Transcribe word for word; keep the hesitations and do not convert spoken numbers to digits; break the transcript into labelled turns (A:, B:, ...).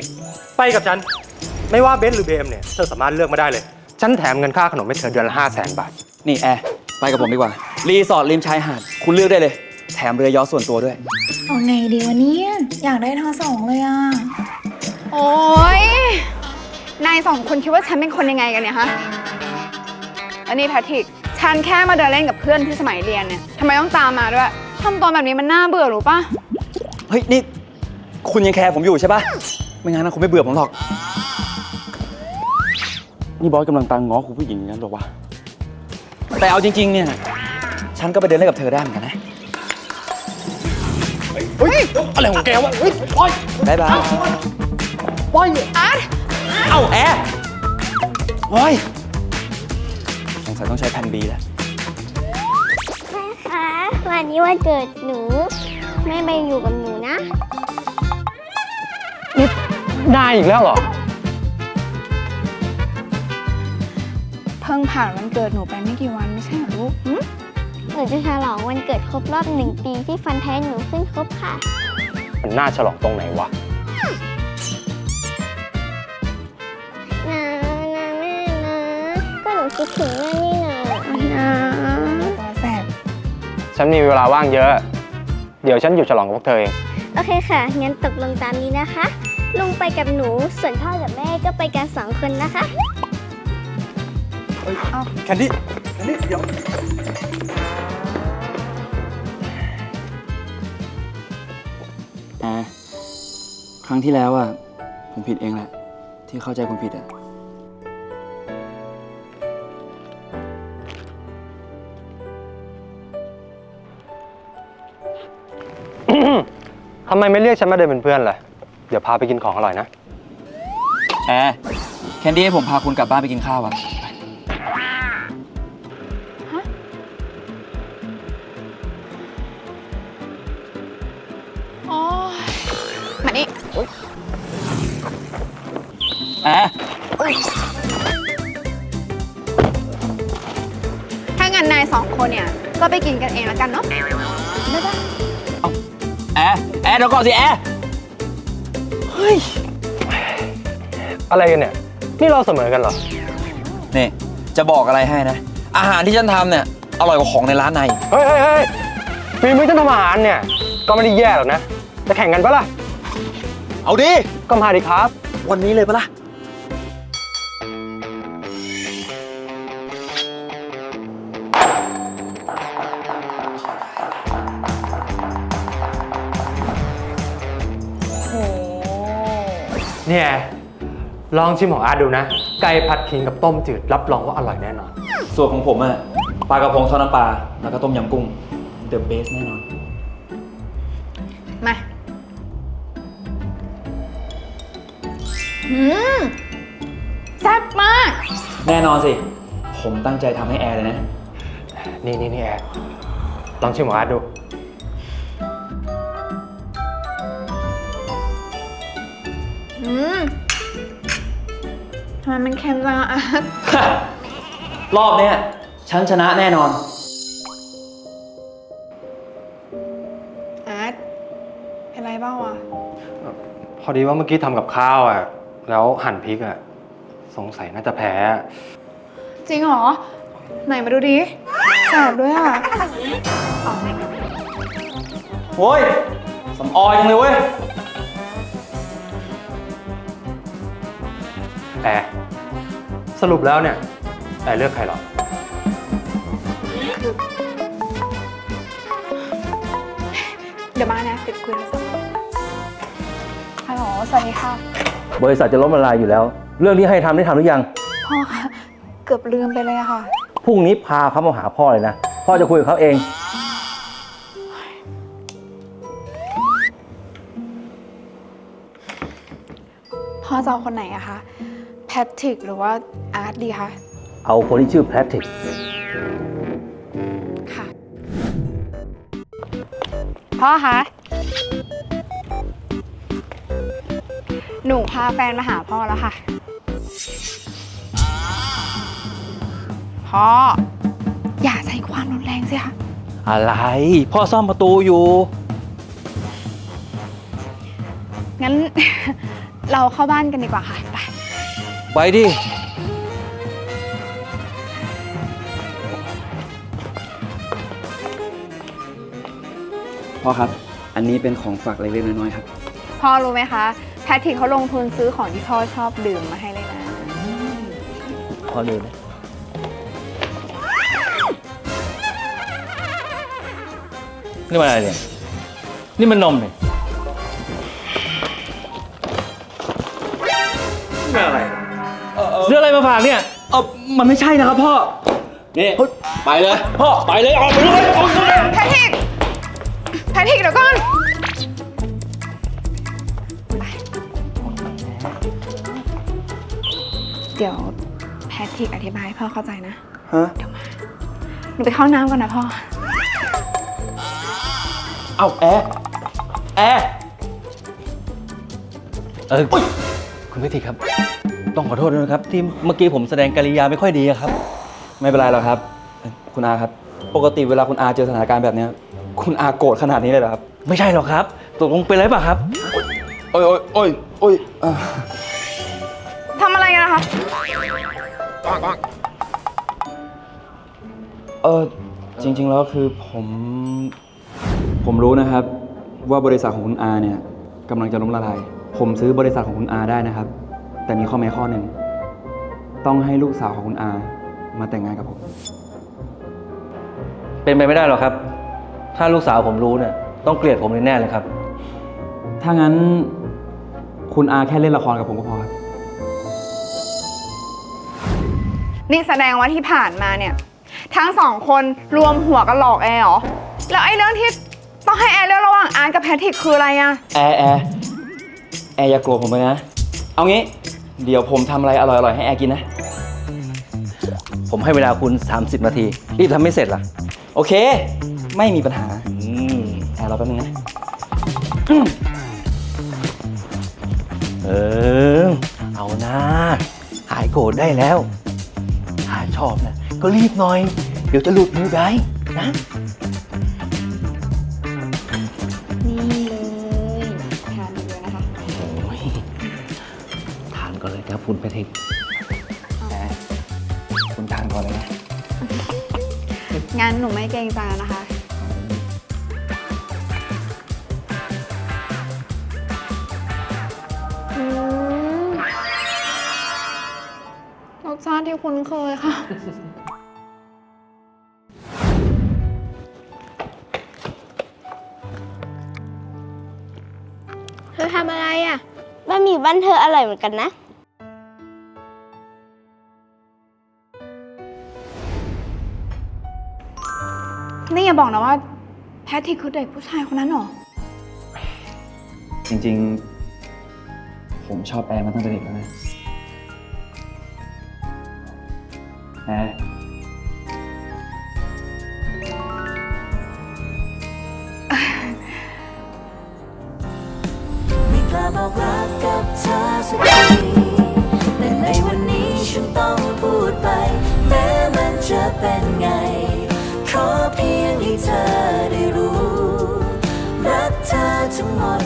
A: ไปกับฉันไม่ว่าเบนซ์หรือเบมเนี่ยเธอสามารถเลือกมาได้เลยฉันแถมเงินค่าขนมให้เธอเดือนละห้าแสนบาท
B: นี่แอร์ไปกับผมดีกว่ารีสอร์ทริมชายหาดคุณเลือกได้เลยแถมเรือยอชต์ส่วนตัวด้วย
C: เอาไงดีวะเนี่ยอยากได้ทั้งสองเลยอ่ะ
D: โอ๊ยนายสองคนคิดว่าฉันเป็นคนยังไงกันเนี่ยฮะอันนี้แพทริกฉันแค่มาเดินเล่นกับเพื่อนที่สมัยเรียนเนี่ยทำไมต้องตามมาด้วยทำตัวแบบนี้มันน่าเบื่อหรือปะ
B: เฮ้ยนี่คุณยังแคร์ผมอยู่ใช่ปะไม่งั้นนะคุณไม่เบื่อผมหรอกนี่บอสกำลังตามง้อคุณผู้หญิงงั้นหรอวะแต่เอาจริงๆเนี่ยฉันก็ไปเดินเล่นกับเธอได้เหมือนกันนะ
A: เฮ้ยอะไรของแกวะเฮ้ยปล่อย
B: บายบาย
A: ปล่อย
D: อาร์ต
B: เอ้าแอร์โอ้ยสงสัยต้องใช้แผ่นบีแล้ว
E: แม่คะวันนี้วันเกิดหนูแม่ไปอยู่กับหนูนะ
A: นี่ได้อีกแล้วเหรอ
D: เพิ่งผ่านวันเกิดหนูไปไม่กี่วันไม่ใช่เหรอลูก
E: หนูจะฉลองวันเกิดครบรอบหนึ่งปีที่ฟันแท้หนูขึ้นครบค่ะ
A: มันน่าฉลองตรงไหนวะ
E: นะนะแม่นะก็หนูคิดถึงแม่นี่นะนะ
D: ตัวแสบ
A: ฉันมีเวลาว่างเยอะเดี๋ยวฉันอยู่ฉลองกับพวกเธอเอง
E: โอเคค่ะงั้นตกลงตามนี้นะคะลุงไปกับหนูส่วนพ่อกับแม่ก็ไปกันสองคนนะคะ
A: แคนดี้แคนดี้เดี๋ยว
B: แอร์ครั้งที่แล้วอ่ะผมผิดเองแหละที่เข้าใจคุณผิดอ่ะ
A: ทำไมไม่เรียกฉันมาเดินเป็นเพื่อนล่ะเดี๋ยวพาไปกินของอร่อยนะ
B: แอร์แคนดี้ให้ผมพาคุณกลับบ้านไปกินข้าวอ่ะ
D: มานี่
B: แอร์
D: ถ้างั้นนายสองคนเนี่ยก็ไปกินกันเองแล้วกันเนาะได้ปะ
B: แอร์แอร์เดี๋ยวก่อนสิแอร์เฮ้ย
A: อะไรกันเนี่ยนี่เราเสมอกันเหรอ
B: นี่จะบอกอะไรให้นะอาหารที่ฉันทำเนี่ยอร่อยกว่าของในร้านใน
A: เฮ้ยเฮ้ยเฮ้ยฝีมือฉันทำอาหารเนี่ยก็ไม่ได้แย่หรอกนะจะแข่งกันปะล่ะ
B: เอาดิ
A: ก็มาดิครับ
B: วันนี้เลยปะล่ะ
A: เนี่ยลองชิมของอาร์ตดูนะไก่ผัดขิงกับต้มจืดรับรองว่าอร่อยแน่นอน
B: ส่วนของผมอะปลากระพงทอดน้ำปลาแล้วก็ต้มยำกุ้ง The best แน่นอน
D: มาอืมแซ่บมาก
B: แน่นอนสิผมตั้งใจทำให้แอร์เลยนะ
A: นี่นี่นี่แอร์ลองชิมของอาร์ตดู
D: อืมทำไมมันเค็มจังอ่ะ
B: รอบเนี้ยฉันชนะแน่นอน
D: อาร์ตเป็นไรบ้างวะ
A: พอดีว่าเมื่อกี้ทำกับข้าวอ่ะแล้วหั่นพริกอ่ะสงสัยน่าจะแพ้
D: จริงเหรอไหนมาดูดิแสบด้วยอ่ะ
B: โว้ยสำออยจังเลยเว้ย
A: แอร์สรุปแล้วเนี่ยแอร์เลือกใครหรอ
D: เดี๋ยวมานะติดคุยโทรศัพท์ฮัลโหลสวัสดีค่ะ
F: บริษัทจะล้มละลายอยู่แล้วเรื่องที่ให้ทำได้ทำหรือยัง
D: พ่อคะเกือบลืมไปเลยอะค่ะ
F: พรุ่งนี้พาเขามาหาพ่อเลยนะพ่อจะคุยกับเขาเอง
D: พ่อจะเอาคนไหนอะคะแพทริกหรือว่าอาร์ตดีคะ
F: เอาคนที่ชื่อแพทริก
D: ค่ะพ่อคะหนูพาแฟนมาหาพ่อแล้วค่ะพ่ออย่าใช้ความรุนแรงสิคะ
F: อะไรพ่อซ่อมประตูอยู่
D: งั้นเราเข้าบ้านกันดีกว่าค่ะ ไป
B: ไปดิ พ่อครับ อันนี้เป็นของฝากเล็กๆน้อยๆครับ
D: พ่อรู้ไหมคะ แพทริกเขาลงทุนซื้อของที่พ่อชอบดื่มมาให้เลยนะ
F: พอดูนะนี่มันอะไรเนี่ย นี่มันนมเนี่ยนี่มันอะไรซื้ออะไรมาฝากเนี่ย
B: เออมันไม่ใช่นะครับพ่อ
F: นี่ไปเลย พ่อ ไปเลย ออกไปเลยออกไปเลย
D: แพทริก แพทริกเดี๋ยวก่อน เดี๋ยวแพทริกอธิบายให้พ่อเข้าใจนะ
B: ฮะ
D: เดี๋ยวมา หนูไปเข้าน้ำก่อนนะพ่อ
B: เอาแอร์แอร์
F: เออคุณพิธีครับ ต้องขอโทษด้วยนะครับ ที่เมื่อกี้ผมแสดงกิริยาไม่ค่อยดีอะครับ
B: ไม่เป็นไรหรอกครับ คุณอาครับ ปกติเวลาคุณอาเจอสถานการณ์แบบเนี้ยคุณอาโกรธขนาดนี้เลยเหรอครับ
F: ไม่ใช่หรอกครับตกลงเป็นอะไรเปล่ะครับ
B: โอ้ยโอ้ยโอ้ยโอ้ยอ่า
D: ทำอะไรกันนะคะ
B: เออจริง ๆ แล้วคือผม ผมรู้นะครับ ว่าบริษัทของคุณอาเนี่ยกำลังจะล้มละลาย ผมซื้อบริษัทของคุณอาได้นะครับ แต่มีข้อแม้ข้อหนึ่งต้องให้ลูกสาวของคุณอามาแต่งงานกับผม
F: เป็นไปไม่ได้หรอกครับ ถ้าลูกสาวผมรู้เนี่ยต้องเกลียดผมแน่ๆเลยครับ
B: ถ้างั้นคุณอาแค่เล่นละครกับผมก็พอครับ
D: นี่แสดงว่าที่ผ่านมาเนี่ย ทั้งสองคนรวมหัวกันหลอกแอร์เหรอ แล้วไอ้เรื่องที่ต้องให้แอร์เลือกระหว่างอาร์ตกับแพทริกคืออะไรอะ
B: แอร์แอร์แอร์อย่าโกรธผมเลยนะ เอางี้ เดี๋ยวผมทำอะไรอร่อยๆให้แอร์กินนะ
F: ผมให้เวลาคุณ สามสิบ นาที รีบทำไม่เสร็จล่ะ
B: โอเค ไม่มีปัญหา
F: อืม
B: แอร์รอแป๊บนึงนะ
F: เออ เอาหน้า หายโกรธได้แล้ว ถ้าชอบนะก็รีบหน่อย เดี๋ยวจะหลุดมือไปนะ
D: นี่เลยทานเยอะนะคะ
F: โอ้ยทานก่อนเลยครับคุณแพทริก
B: แอร์คุณทานก่อนเลยนะ
D: งั้นหนูไม่เกรงใจแล้วนะคะ อืมรสชาติที่คุ้นเคยค่ะ
E: เธอทำอะไรอ่ะบะหมี่บ้านเธออร่อยเหมือนกันนะ
D: นี่อย่าบอกนะว่าแพทริกคือเด็กผู้ชายคนนั้นเหรอ
B: จริงๆ ผมชอบแอร์มาตั้งแต่เด็กแล้วนะแอร์
G: ไม่กล้าบอกรักกับเธอสักทีแต่ในวันนี้ฉันต้องพูดไป แม้มันจะเป็นไง ขอเพียงให้เธอได้รู้ รักเธอทั้งหมด